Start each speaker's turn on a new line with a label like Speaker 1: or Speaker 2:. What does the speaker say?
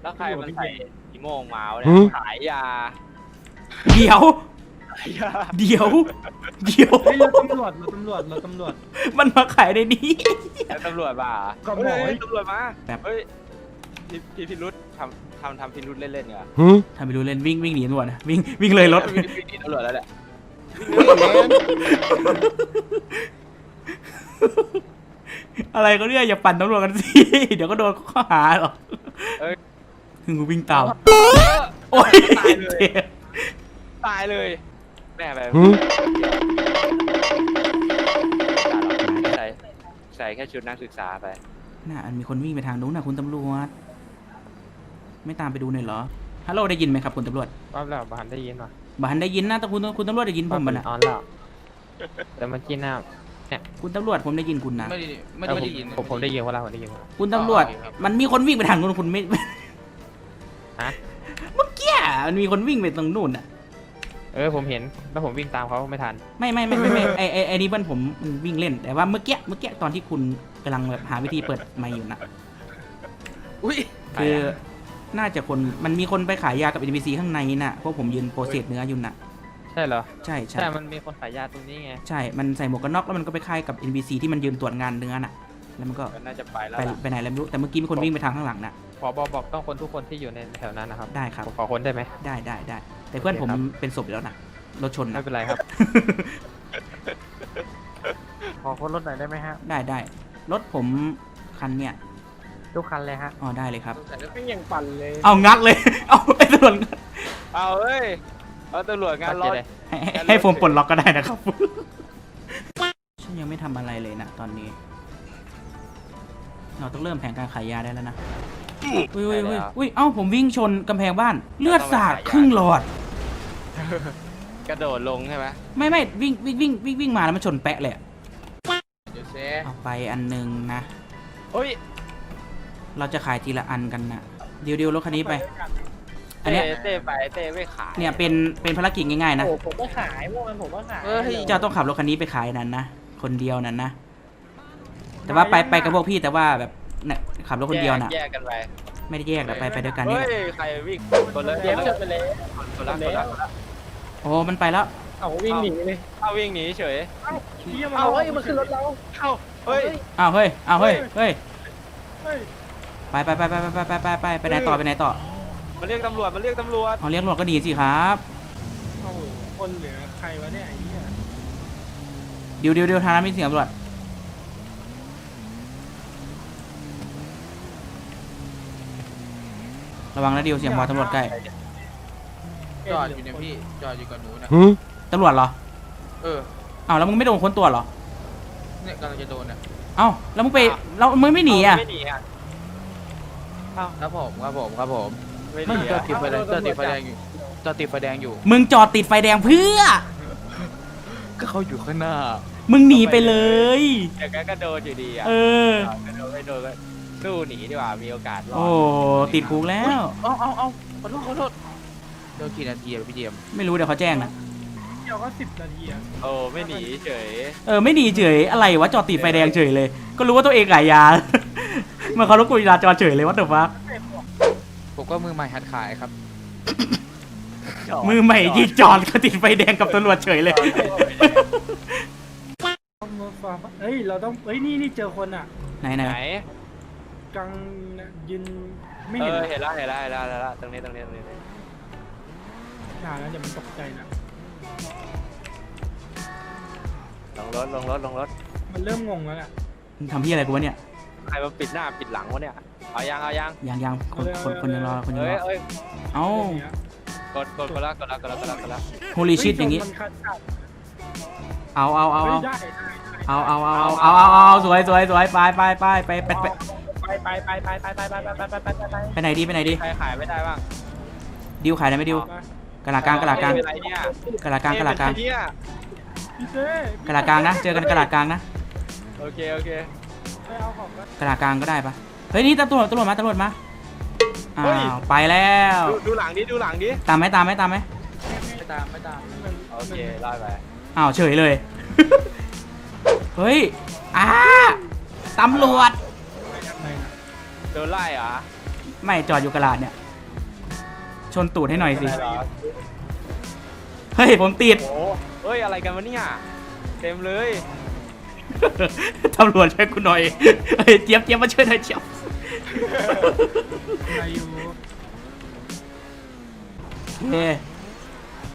Speaker 1: แล้วใครมันใส่อีโมงมาวะเนี่ยขายยา
Speaker 2: เดี๋ยว
Speaker 1: ขายยา
Speaker 2: เดี๋ยว
Speaker 3: เฮ้ยเราตำรวจ
Speaker 2: มันมาขายในนี้
Speaker 1: แล้วตำรวจมา
Speaker 3: ก็บอก
Speaker 1: เฮ้
Speaker 3: ให้
Speaker 1: ยตำรวจมา
Speaker 2: แบบ
Speaker 1: เฮ้ยพี่พิรุธทำพิรุธเล่นๆเหรอ
Speaker 2: ทำไปดูเล่นวิ่งหนีตำรวจนะวิ่งเลยรถ
Speaker 1: วิ่งหนีตำรวจแล้วแหละ
Speaker 2: อะไรก็เนี่ยอย่าปั่นตำรวจกันสิ เดี๋ยวก็โดนข้อหาหรอกกูวิ่งตามโอ้ย
Speaker 1: ตายเลยแม่แบบใส่แค่ชุดนักศึกษาไป
Speaker 2: น่ะอันมีคนวิ่งไปทางนู้นนะคุณตำรวจไม่ตามไปดูหน่อยเหรอฮัลโหลได้ยินไหมครับคุณตำรวจ
Speaker 4: ว่าแล้วบ้านได้ยินป่ะ
Speaker 2: บ้านได้ยินนะแต่คุณตำรวจได้ยินผมบ้านะ
Speaker 4: ออนแล้วแต่เมื่อกี้น่ะ
Speaker 2: คุณตำรวจผมได้ยินคุณนะ
Speaker 5: ไม่ได้ยิน
Speaker 4: ผมได้ยินว่าเราผมได้ยินว่า
Speaker 2: คุณตำรวจมันมีคนวิ่งไปทางนู้นคุณไม่
Speaker 4: ฮะ
Speaker 2: เมื่อกี้มันมีคนวิ่งไปตรงนู้นอ่ะ
Speaker 4: ผมเห็นแล้วผมวิ่งตามเขาไม่ทัน
Speaker 2: ไม่ไอ้นี่เพื่อนผมมันวิ่งเล่นแต่ว่าเมื่อกี้ตอนที่คุณกำลังแบบหาวิธีเปิดไมค์อยู่นะ
Speaker 5: อุ้ย
Speaker 2: คือน่าจะคนมันมีคนไปขายยากับ NPC ข้างในน่ะเพราะผมยืนโปรเซสเนื้ออยู่น่ะ
Speaker 4: ใช่เหรอ
Speaker 2: ใช่
Speaker 4: ใช่มันมีคนขายยาตรงนี้ไง
Speaker 2: ใช่มันใส่หมวกกันน็อกแล้วมันก็ไปค่ายกับ NPC ที่มันยืนตรวจงานเนื้อน่ะแล้วมันก็
Speaker 1: น่าจะไปแล้ว
Speaker 2: ไปไหนแล้วไม่รู้แต่เมื่อกี้มีคนวิ่งไปทางข้างหลังน่ะ
Speaker 4: ขอบอกต้องคนทุกคนที่อยู่ในแถวนั้นนะครับ
Speaker 2: ได้ครับ
Speaker 4: ขอคนได้ไหม
Speaker 2: ได้แต่เพื่อนผมเป็นศพอยู่แล้วนะรถชน
Speaker 4: ไม่
Speaker 2: นะ
Speaker 4: เป็นไรครับ ขอคนรถหน่อยได้ไหมฮะ
Speaker 2: ได้รถผมคันเนี่ย
Speaker 4: ทุกคันเลยฮะ
Speaker 2: อ๋อได้เลยครับ
Speaker 3: ไม่ยังปั่นเลย
Speaker 2: เอางัดเลย เอาไอ้ตำรวจงัด
Speaker 1: เอาเฮ้ยเอาตำรวจงานรถ
Speaker 2: ให้ผมปลดล็อกก็ได้นะครับ ฉันยังไม่ทำอะไรเลยนะตอนนี้ เราต้องเริ่มแผนการขายยาได้แล้วนะอุ้ยเอ้าผมวิ่งชนกำแพงบ้าน เลือดสาดครึ่งหลอด
Speaker 1: กระโดดลงใช่ไหม
Speaker 2: ไม่วิ่งมาแล้วมันชนแปะเลยอะ
Speaker 5: เดี๋ยวเซ
Speaker 2: เอาไปอันหนึงนะ
Speaker 1: เฮ้ย
Speaker 2: เราจะขายทีละอันกันนะเดี๋ยวรถคันนี้ไป อันเนี้ย
Speaker 1: เต้ไปเต้ไม่ขาย
Speaker 2: เนี่ยเป็นภารกิจง่ายๆนะ
Speaker 3: โอ้ผมก็ขายพวกมันผมก็ขาย
Speaker 2: เจ้าต้องขับรถคันนี้ไปขายนั้นนะคนเดียวนั้นนะแต่ว่าไปกับพวกพี่แต่ว่าแบบเนี่ยขับรถคนเดียวน่ะ
Speaker 1: แยกกันไป
Speaker 2: ไม่ได้แยกแต่ไปด้วยกันนี่
Speaker 1: เฮ้
Speaker 2: แห
Speaker 1: ย
Speaker 2: ละ
Speaker 1: ใครวิ่งคนละ
Speaker 3: เดี๋ยวจะไปเลย
Speaker 1: คนละ
Speaker 2: โอ้มันไปแล้ว
Speaker 3: เอาวิ่งหนีเลย
Speaker 1: เอาวิ่งหนีเฉย
Speaker 3: เอาเฮ้ยมันขึ้นรถเรา
Speaker 1: เอาเฮ้ย
Speaker 2: อ้าวเฮ้ยไป
Speaker 3: เฮ้ย
Speaker 2: ไปไหนต่อ
Speaker 1: มาเรียกตำรวจเอาเรียกตำรวจ
Speaker 2: เอาเรียกตำรวจก็ดีสิครับ
Speaker 3: โอ้โหคนเหลือใครวะเนี่ยไอ้เนี่ย
Speaker 2: เดี๋ยวทางนั้นมีเสียงตำรวจระวังนะเดียวเสียงพอตำรวจใกล้
Speaker 5: จอดอยู่เนี่ยพี่จอดอยู่กับหนูนะ
Speaker 2: ตำรวจเหรอ
Speaker 5: เออ
Speaker 2: อ้าวแล้วมึงไม่โดนค้นตัวเหรอ
Speaker 5: เนี่ยกำลังจะโดนอ่ะ
Speaker 2: อ้าวแล้วมึงไม่หนีอ่ะ
Speaker 1: ไม่หนีอ่ะ
Speaker 5: ครับผม
Speaker 1: ไม่ห
Speaker 5: มัน
Speaker 1: นี
Speaker 5: จอ
Speaker 1: อ่ะ
Speaker 5: ดติดไฟแดงอยู่จอดติดไฟแดงอยู่
Speaker 2: มึงจอดติดไฟแดงเพื่อ
Speaker 5: ก็เขาอยู่ข้างหน้า
Speaker 2: มึงหนีไปเลย
Speaker 1: แต่ก็โดนอยู่ดีอ่ะ
Speaker 2: เออ
Speaker 1: ก็โดนไม่โดนก็สู้หนีดีกว่ามีโอกาสรอ
Speaker 2: โอ้
Speaker 1: ด
Speaker 2: ติดคุกแล้ว
Speaker 5: เอาขอโทษโดนกี่นาทีอะพี่เจมส์
Speaker 2: ไม่รู้เดี๋ยวเขาแจ้งนะ
Speaker 3: เดี๋ยวก็10 นาทีอะ
Speaker 1: โอ้ไม่หนีเฉย
Speaker 2: ไม่หนีเฉยอะไรวะจอดติดไฟแดงเฉยเลย ก็รู้ว่าตัวเองขายยา มันเขารบกวนจราจรเฉยเลยว่าแต่ว่า
Speaker 5: ผมก็มือใหม่หัดขายครับ
Speaker 2: มือใหม่ยิงจอดก็ติดไฟแดงกับตำรวจเฉยเลย
Speaker 3: เฮ้ยเราต้องเฮ้ยนี่เจอคนอ่ะ
Speaker 2: ไหน
Speaker 1: ไหน
Speaker 3: กลางยืนไม่
Speaker 1: เอ
Speaker 3: เห็น
Speaker 1: อเห็นแล้วตรงนี้
Speaker 3: นานแล้วเดี๋ยวมันตกใจนะ
Speaker 1: ลงรถ
Speaker 3: มันเริ่มงงแล้วอ่ะ
Speaker 2: มึงทำพี่อะไรกูวะเนี่ย
Speaker 1: ใครมาปิดหน้าปิดหลังวะเนี่ยเอายัง
Speaker 2: ยังคนยังรอคนยังรอ
Speaker 1: เอ้ย
Speaker 2: เอ้าก
Speaker 1: ดละ
Speaker 2: โฮลิชิตอย่างงี้
Speaker 3: มันคัดจัด
Speaker 2: เอา
Speaker 3: เฮ้ยได้
Speaker 2: เอาสวยไปไหนดี
Speaker 1: ใครขายไม่ได้บ้าง
Speaker 2: ดิวขายได้ไหมดิวกะลากลาง
Speaker 1: เป็นไรเนี่ย
Speaker 2: กะลากลาง
Speaker 1: เนี่ย
Speaker 3: พี่เจ้
Speaker 2: กะลากลางนะเจอกันกะลากลางนะ
Speaker 1: โอเค
Speaker 3: ไปเอาของกัน
Speaker 2: กะลากลางก็ได้ปะเฮ้ยนี่ตำรวจมาอ้าวไปแล้ว
Speaker 1: ดูหลังดิ
Speaker 2: ตามไหม
Speaker 5: ไม่ตาม
Speaker 1: โอเคไล่ไป
Speaker 2: อ้าวเฉยเลย เฮ้ยตำรวจ
Speaker 3: ไปทำไมนะ
Speaker 1: โดนไล่เหรอ
Speaker 2: ไม่จอดอยู่กระลาดเนี่ย ชนตูดให้หน่อยสิ
Speaker 1: อะไรเหรอ
Speaker 2: เฮ้ยผมติด
Speaker 1: โอ้เฮ้ยอะไรกันวะเนี่ยเต็มเลย
Speaker 2: ตำรวจช่วยกูหน่อยเฮ้ยเจี๊ยบมาช่วยหน่อยเจี๊ยบ
Speaker 3: อายุ
Speaker 2: โอเค